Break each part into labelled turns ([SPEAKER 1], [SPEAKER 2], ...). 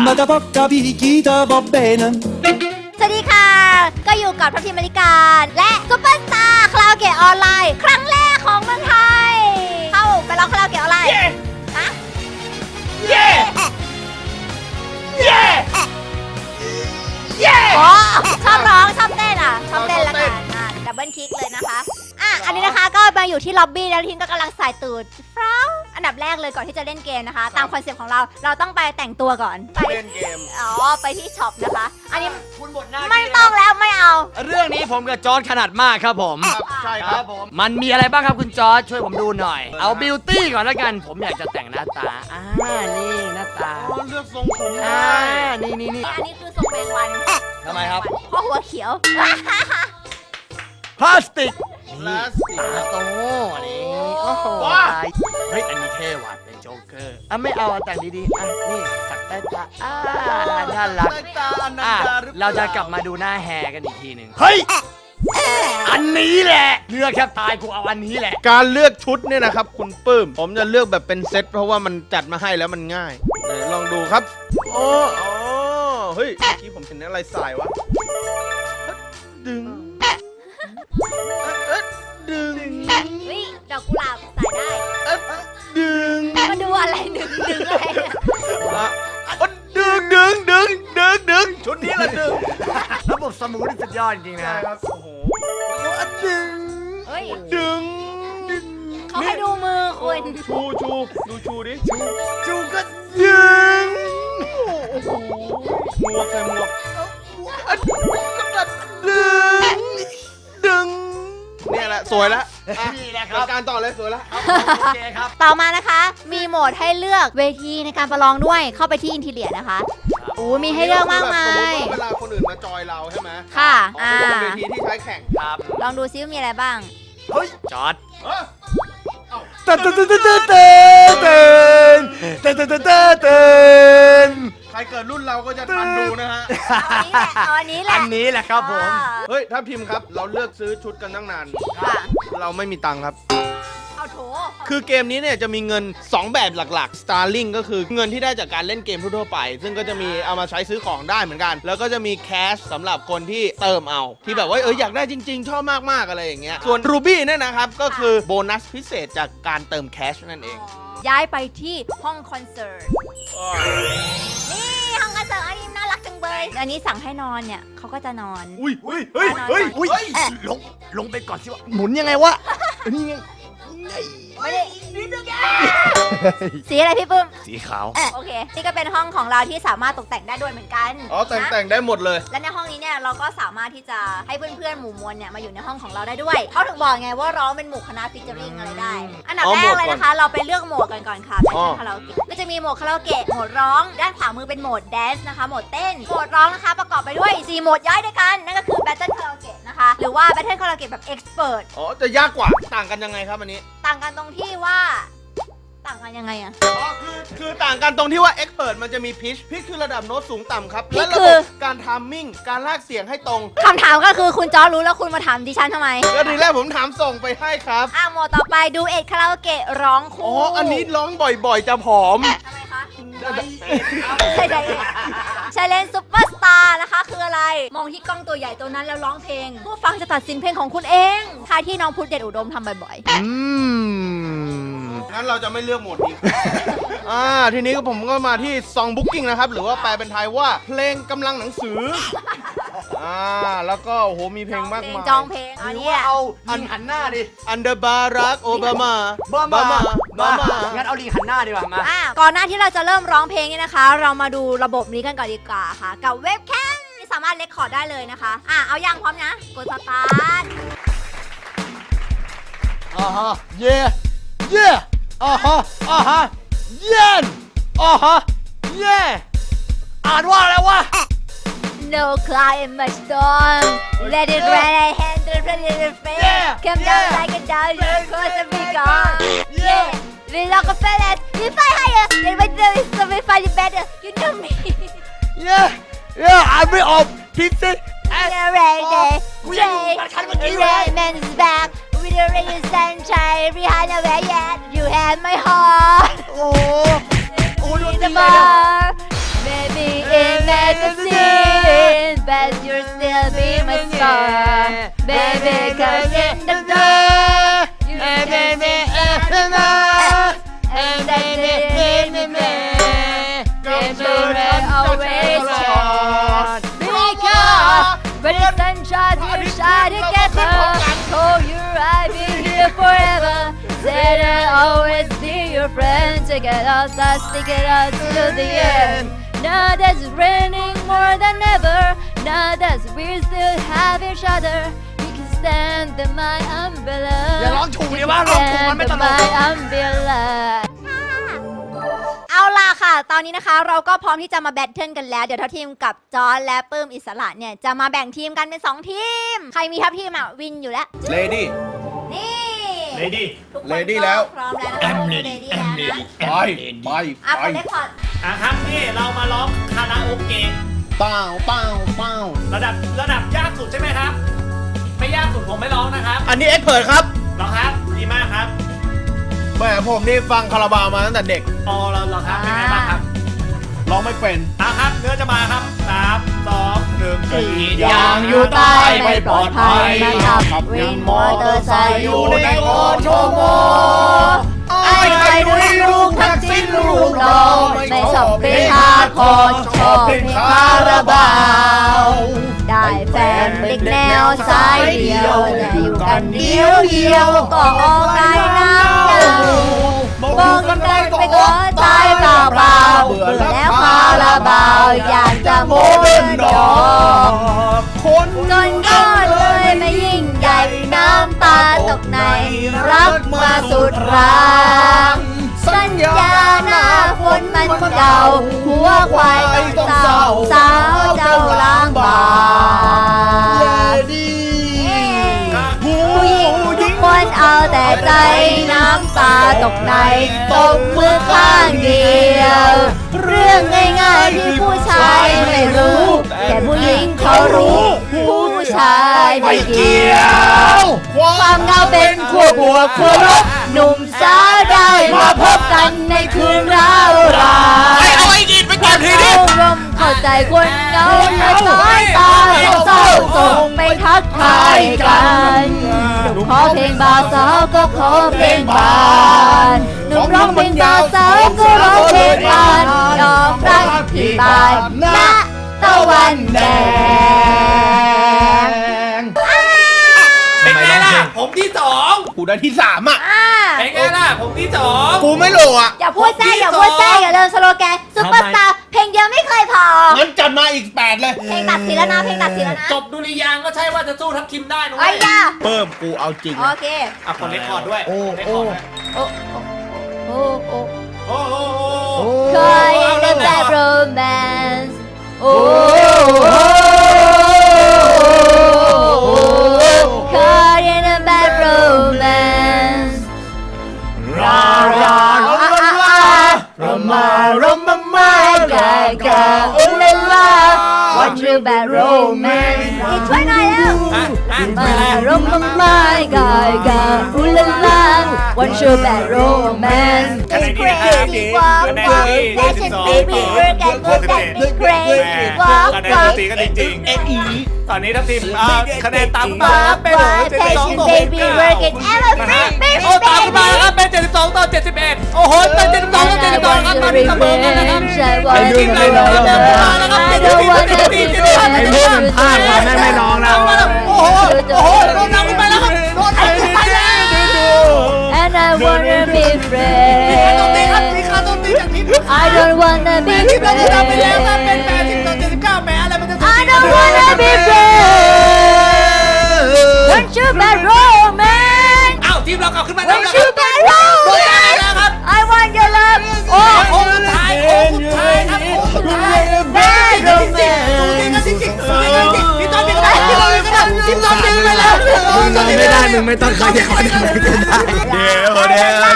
[SPEAKER 1] ma da porca picchita va bene
[SPEAKER 2] สวัสดีค่ะก็อยู่กับทัพทีมบริการและซุปเปอร์สตาร์คาราโอเกะออนไลน์ครั้งแรกของเมืองไทยเข้าไปร้องคาราโอเกะออนไลน์ฮะเย้เย้เย้อ๋อชอบร้องชอบเต้นอ่ะชอบเต้นแล้วกันดับเบิลคลิกเลยนะคะอันนี้นะคะก็มาอยู่ที่ล็อบบี้แล้วทีมก็กำลังใส่ตูดฟร้าวอันดับแรกเลยก่อนที่จะเล่นเกมนะคะตามคอนเซ็ปต์ของเราต้องไปแต่งตัวก่อนไป
[SPEAKER 3] เล่นเกม
[SPEAKER 2] ไปที่ช็อปนะคะอันนี้
[SPEAKER 3] คุณบทหน้า
[SPEAKER 2] ไม่ต้องแล้วไม่เอา
[SPEAKER 4] เรื่องนี้ผมกับจอร์จขนาดมากครับผม
[SPEAKER 3] ใช่ครับผม
[SPEAKER 4] มันมีอะไรบ้างครับคุณจอร์จช่วยผมดูหน่อย เอาบิวตี้ก่อนแล้วกันผมอยากจะแต่งหน้าตานี่หน้าตา
[SPEAKER 3] เลือกทรงผมได้
[SPEAKER 4] นี่
[SPEAKER 2] อันนี้คือทรงแมงวัน
[SPEAKER 4] ทำไมครับ
[SPEAKER 2] เพราะหัวเขียว
[SPEAKER 4] พลาสติก
[SPEAKER 3] พลาสติก
[SPEAKER 4] ตาโตนี่โอ้โหตายเฮ้ยอันนี้เท่ว่ะเป็นโจ๊กเกอร์ไม่เอาแต่งดีๆนี่สักใต้ตาน่ารัก
[SPEAKER 3] ใต้ตาอนันดาหรือเปล่า
[SPEAKER 4] เราจะกลับมาดูหน้าแฮกันอีกทีหนึ่งเฮ้ยอันนี้แหละเลือกแค่ตายกูเอาอันนี้แหละ
[SPEAKER 3] การเลือกชุดเนี่ยนะครับคุณปื้มผมจะเลือกแบบเป็นเซตเพราะว่ามันจัดมาให้แล้วมันง่ายไหนลองดูครับอ๋อเฮ้ยเมื่อกี้ผมเห็นอะไรสายวะดึงดึง
[SPEAKER 2] วิดอกกุหลาบใส่ได้
[SPEAKER 3] ดึง
[SPEAKER 2] มาดูอะไรดึงอะไรเนี่ย
[SPEAKER 3] ดึงชุดนี้ละดึง
[SPEAKER 4] ระบบสมูทสุดยอดจริงๆ
[SPEAKER 3] ใช่
[SPEAKER 4] นะครับ
[SPEAKER 3] โอ้โหดึง
[SPEAKER 2] เฮ้ย
[SPEAKER 3] ดึง
[SPEAKER 2] เขาให้ดูมือคุณ
[SPEAKER 3] ชูดูชูดิ
[SPEAKER 4] จูก็
[SPEAKER 3] ดึงโอ้โหหมวกใส่หมวกดึงเนี่ยแหละสวยแล้ว
[SPEAKER 4] นี่แหละครับ
[SPEAKER 3] การต่อเลยสวยแล้ว
[SPEAKER 4] โอเคครับ
[SPEAKER 2] ต่อมานะคะ มีโหมดให้เลือกเวทีในการประลองด้วยเข้าไปที่อินทีเลียนะคะมีให้เลือกมากมาย
[SPEAKER 3] สมมติว่าเวลาคนอื่นมาจอยเราใช่ไหม
[SPEAKER 2] ค่ะ
[SPEAKER 3] เป็นเวทีที่ใช้แข่ง
[SPEAKER 4] ครับ
[SPEAKER 2] ลองดูซิว่ามีอะไรบ้าง
[SPEAKER 4] เฮ้ยจอร์จ
[SPEAKER 3] เต้นใครเกิดรุ่นเราก็จะทันดูนะฮะ
[SPEAKER 2] เอาอันนี้แหละ
[SPEAKER 4] อันนี้แหละครับผม
[SPEAKER 3] เฮ้ยถ้าพิมพ์ครับเราเลือกซื้อชุดกันตั้งนาน
[SPEAKER 2] ค่ะ
[SPEAKER 3] เราไม่มีตังค์ครับ
[SPEAKER 2] เอาโถ
[SPEAKER 3] คือเกมนี้เนี่ยจะมีเงิน 2 แบบหลักๆ Starling ก็คือเงินที่ได้จากการเล่นเกมทั่วๆไป ซึ่งก็จะมีเอามาใช้ซื้อของได้เหมือนกัน แล้วก็จะมีแคชสำหรับคนที่เติมเอา ที่แบบว่าอยากได้จริงๆ ชอบมากๆอะไรอย่างเงี้ย ส่วน Ruby เนี่ยนะครับ ก็คือโบนัสพิเศษจากการเติมแคชนั่นเอง
[SPEAKER 2] ย้ายไปที่ห้องคอนเสิร์ต นี่ห้องคอนเสิร์ตอันนี้น่ารักจังเลยอันนี้สั่งให้นอนเนี่ยเขาก็จะนอน
[SPEAKER 3] อุ้ย
[SPEAKER 4] ลงไปก่อนสิวะหมุนยังไงวะนี่ไง
[SPEAKER 2] ไม่ได้สีอะไรพี่ปุ้ม
[SPEAKER 4] สีขาว
[SPEAKER 2] โอเค นี่ก็เป็นห้องของเราที่สามารถตกแต่งได้ด้วยเหมือนกัน
[SPEAKER 3] อ๋อแต่งได้หมดเลย
[SPEAKER 2] และในห้องนี้เนี่ยเราก็สามารถที่จะให้เพื่อนๆหมู่มวลเนี่ยมาอยู่ในห้องของเราได้ด้วยเขาถึงบอกไงว่าร้องเป็นหมู่คณะฟิชเจอริงอะไรได้ อันดับแรกเลยนะคะ เราไปเลือกโหมดกันก่อนค่ะเป็นคาราโอเกะก็จะมีโหมดคาราโอเกะโหมดร้องด้านขวามือเป็นโหมดแดนซ์นะคะโหมดเต้นโหมดร้องนะคะประกอบไปด้วย4โหมดย่อยด้วยกันนั่นก็คือ Battle Karaoke นะคะหรือว่า Battle Karaoke แบบ Expert
[SPEAKER 3] อ๋อจะยากกว่าต่างกันยังไงครับอันนี้
[SPEAKER 2] ต่างกันตรงที่ว่าต่างกันยังไงอะ
[SPEAKER 3] อ๋อคือต่างกันตรงที่ว่า Expert มันจะมีพิชคือระดับโน้ตสูงต่ำครับ
[SPEAKER 2] pitch
[SPEAKER 3] และระบบการทามมิ่งการลากเสียงให้ตรง
[SPEAKER 2] คำถามก็คือคุณจอรู้แล้วคุณมาถามดิฉันทำไม
[SPEAKER 3] ก็ทีแรกผมถามส่งไปให้ครับ
[SPEAKER 2] โหมดต่อไปดูเอ็ดคาราโอเกะร้องคู่
[SPEAKER 3] อ๋อ อันนี้ร้องบ่อยๆ จะผอม
[SPEAKER 2] ทำไมคะใช่ไดเอ็ดชาเลนซุปเปอร์สตาร์นะคะคืออะไร มองที่กล้องตัวใหญ่ตัวนั้นแล้วร้องเพลง ผู้ฟังจะตัดสินเพลงของคุณเองท่าที่น้องพุทธเดชอุดมทำบ่อย
[SPEAKER 3] งั้นเราจะไม่เลือกโหมดนี้ ทีนี้ผมก็มาที่ Song Booking นะครับ หรือว่าแปลเป็นไทยว่าเพลงกำลังหนังสือ แล้วก็โอ้โหมีเพลงมากมาย
[SPEAKER 2] จองเพลงอันนี้
[SPEAKER 4] เอาลิงหันหน้าดิ
[SPEAKER 3] อันเดอร์บารักโอบามา
[SPEAKER 4] งั้นเอาลิงหันหน้าดีกว่ามา
[SPEAKER 2] ก่อนหน้าที่เราจะเริ่มร้องเพลงนี่นะคะ เรามาดูระบบนี้กันก่อนดีกว่าค่ะ กับเว็บแคมที่สามารถเรคคอร์ดได้เลยนะคะเอาอย่างพร้อมนะกดสตาร์ท
[SPEAKER 4] เย่เย่เย็นเย่อ่านว่าอะไรวะ
[SPEAKER 2] No cloud in my storm. Let it rain, I handle it in the face. Come down like a dog, you're close to be gone. Yeah, we lock a fellas, we fly higher. Then when there is so we find it better. You know me.
[SPEAKER 4] อ่านไม่ออกพิกซี่
[SPEAKER 2] The rain day, rain man is back. With the rain and sunshine, Rihanna where yet? You have my heart.
[SPEAKER 4] โอ้โห
[SPEAKER 2] In the bar, baby baby, 'cause in the dark you can see everything. And baby, baby, baby, always shine. Because when the sun shines, you shine together. Told you I'd be here forever. Said I'd always be your friend. Together, let's stick it out to the end. Now that it's raining more than ever. Now that we still have each other. You can stand in my umbrella.
[SPEAKER 4] อย่าร้องถูกดิว่าร้องถูกมันไม่ตลก
[SPEAKER 2] my umbrella เอาล่ะค่ะ ตอนนี้นะคะเราก็พร้อมที่จะมาแบทเทิลกันแล้ว เดี๋ยวทัพทีมกับจอร์จและปื้มอิสระเนี่ย จะมาแบ่งทีมกันเป็น2ทีม ใครมีทัพทีมอ่ะ วินอยู่แล้ว
[SPEAKER 3] เลดี้
[SPEAKER 2] นี่
[SPEAKER 3] Lady
[SPEAKER 2] ทุกคน
[SPEAKER 3] Lady
[SPEAKER 2] ก็
[SPEAKER 3] แล้ว
[SPEAKER 2] พร้อมแล้วนะคะ Lady แล้วนะ
[SPEAKER 3] ไป
[SPEAKER 2] อ่ะกดเลคคอร์ด
[SPEAKER 5] ครับนี่เรามาร้องคาราโอเกะ
[SPEAKER 3] เป้าเป้าเป้า
[SPEAKER 5] ระดับยากสุดใช่ไหมครับ ไม่ยากสุดผมไม่ร้องนะครับ
[SPEAKER 3] อันนี้เอ็กเพิร์ดครับ
[SPEAKER 5] ร้องครับดีมากครับ
[SPEAKER 3] แหมผมนี่ฟังคาราบาวมาตั้งแต่เด็ก
[SPEAKER 5] อ๋อเราครับเป็นไงบ้างครับ
[SPEAKER 3] ร้องไม่เป็น
[SPEAKER 5] ครับเนื้อจะมาครับ3 2 1
[SPEAKER 2] อย่างอยู่ใต้ไม่ปลอดภัยนะครับวินมอเตอร์ไซค์อยู่ในโอโชโมไอ้ใครดูลูกทักษิณลูกเราไม่ชอบเป็นฮาร์ดคอร์ชอบเป็นคาราบาวได้แฟนเด็กแนวสายเดียวแต่อยู่กันเดียวก็ออกได้น้ำเน่ามองกันได้ไปก็ใจเปล่าเบื่อแล้วคาราบาวอยากจะโม้เดินดอกจนก็เลยไม่ยิ่งใหญ่น้ำตาตกในรักมาสุดรางสัญญาหน้าฝนมันเก่าหัวควายต้องเศร้าสาวเจ้าล้างบางผู้หญิงทุกคนเอาแต่ใจน้ำตาตกในตบมือข้างเดียวเรื่องง่ายๆที่ผู้ชายไม่รู้แต่ผู้หญิงเขารู้ผู้ชายไม่เกี่ยวความเหงาเป็นขั้วบวกขั้วลบหนุ่มสาวได้มาพบกันในคืนร้าวรานเอาไอ้ดินไปก่อนทีนี้เข้าใจคนเหงาและสายตาเศร้าส่งไปทักทายกันขอเพลงบ่าวสาวก็ขอเพลงบานหนุ่มร้องเพลงบ่าวสาวก็ร้องเพลงบานดอกรักที่บานณตะวันแดง
[SPEAKER 5] เป็นไงล่ะผมที่2
[SPEAKER 3] กูได้ที่3อ่ะ
[SPEAKER 5] เป็นไงล่ะผมที่2
[SPEAKER 3] กูไม่รู้อ่ะ
[SPEAKER 2] อย่าพูดแซ่อย่าลืมสโลแกนซุปเปอร์สตาร์เพลงเดียวไม่เคยพอ
[SPEAKER 3] งั้นจัดมาอีก8เลย
[SPEAKER 2] เพลงตัดสินแล้วนะเพลงตัดสินแล้วนะ
[SPEAKER 5] จบดุริยางค์ก็ใช่ว่าจะสู้ทัพทิมได้นะ
[SPEAKER 2] ไอ้ยา
[SPEAKER 3] เพิ่มกูเอาจริง
[SPEAKER 2] โอเค
[SPEAKER 5] คนเล่นคอร์ดด้วย
[SPEAKER 3] โอ้
[SPEAKER 5] เล่นคอร์ดด้วย
[SPEAKER 2] โอ้โอ้โอ้
[SPEAKER 5] โอ้โห
[SPEAKER 2] Cry in the bad romance โอ้ Cry in the bad romance รามากากาอุลลา What you bad romance ช่วยหน่อยแล้ว มากากาอุลลา What you bad romance It's crazy walk walk Fashion baby work and work and be crazy walk
[SPEAKER 5] คะแนน
[SPEAKER 2] walk
[SPEAKER 5] ตีกันจริงๆตอนนี้ทัพทิมคะแนนตามมา
[SPEAKER 2] walk
[SPEAKER 5] เป็น
[SPEAKER 2] walk Fashion baby work and ever free
[SPEAKER 5] โอ้ตามมาครับเป็น72 ต่อ 71โอ้โหเป็น72 ต่อ 72ครับมาเสมอกันนะครับทีมไหนน้องครับมาแล้วครับทีมพลาดมาไม่น้องนะโอ้โหโดนนำไปแล้วครับโดนนำไปแล้ว
[SPEAKER 2] And I wanna be
[SPEAKER 5] ตรงนี้ครับ
[SPEAKER 2] friends
[SPEAKER 5] มีค่าต้นตีจากทีม
[SPEAKER 2] I don't wanna be
[SPEAKER 5] ทีมเราชนะไปแล้วครับเป็น
[SPEAKER 2] friends
[SPEAKER 5] 80 ต่อ 79แม้อะไรมันจะ
[SPEAKER 2] I don't wanna be friends Want you bad romance
[SPEAKER 5] อ้าวทีมเรากลับขึ้นมาแล้ว
[SPEAKER 2] Want
[SPEAKER 5] นะค
[SPEAKER 2] you
[SPEAKER 5] รับ
[SPEAKER 2] bad
[SPEAKER 5] โดนได้แล้วครับ
[SPEAKER 2] romance I want your love
[SPEAKER 5] โอ้โหสุดท้ายครับโค้งสุดท้าย
[SPEAKER 2] bad
[SPEAKER 5] ดู
[SPEAKER 2] romance
[SPEAKER 5] จริงจริงพี่ต้นเป็นอะไรพี่ต้นเป็นอะไรพี่ต้นเป็นอะไร
[SPEAKER 4] ไม่ได้มึงไม่ต้องขยับมันไม่ได้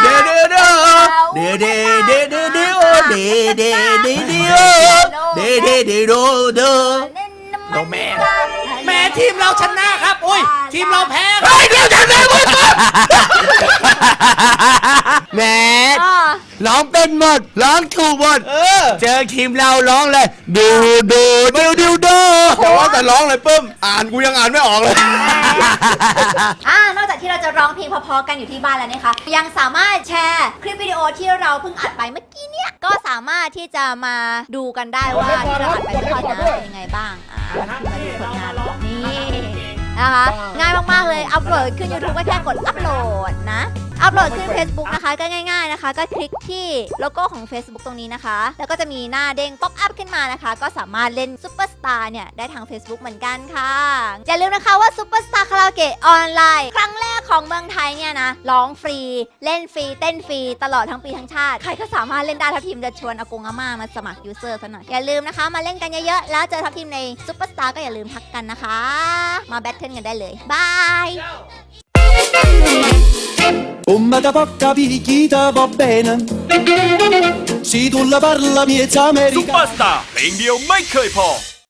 [SPEAKER 5] โนแม่ทีมเราชนะครับโอ้ยทีมเราแพ้ครับ
[SPEAKER 4] แหม
[SPEAKER 5] ร้องเป็นหมดร้องถูกหมด เจอทีมเราร้องเลยดูดูดูดูดู
[SPEAKER 3] แต่ว่าแต่ร้องเลยปื้มอ่านกูยังอ่านไม่ออกเลย
[SPEAKER 2] นอกจากที่เราจะร้องเพลงเพอๆกันอยู่ที่บ้านแล้วนะคะยังสามารถแชร์คลิปวิดีโอที่เราเพิ่งอัดไปเมื่อกี้เนี่ยก็สามารถที่จะมาดูกันได้ว่าที่เราอัดไปเมื่อกี้นะเป็นยังไงบ้างมาดูผลงานนี่นะคะง่ายมากๆเลยอัปโหลดขึ้น YouTube ก็แค่กดอัปโหลดนะอัปโหลดขึ้น Facebook นะคะก็ง่ายๆนะคะก็คลิกที่โลโก้ของ Facebook ตรงนี้นะคะแล้วก็จะมีหน้าเด้งป๊อปอัพขึ้นมานะคะก็สามารถเล่นซุปเปอร์สตาร์เนี่ยได้ทาง Facebook เหมือนกันค่ะอย่าลืมนะคะว่าซุปเปอร์สตาร์คาราโอเกะออนไลน์ครั้งแรกของเมืองไทยเนี่ยนะร้องฟรีเล่นฟรีเต้นฟรีตลอดทั้งปีทั้งชาติใครก็สามารถเล่นได้ทัพทีมจะชวนอากงอาม่ามาสมัครยูเซอร์ซะหน่อยอย่าลืมนะคะมาเล่นกันเยอะๆแล้วเจอทัพทีมในซุปเปอร์สตาร์ก็อย่าลืมทักกันนะคะมาแบทเทิลกันได้เลยบาย
[SPEAKER 1] Come da porca picchita va bene Se tu la parla miezza
[SPEAKER 6] ซุป
[SPEAKER 1] americana
[SPEAKER 6] เปอร์สตาร์เพลงเดียวไม่เคยพอ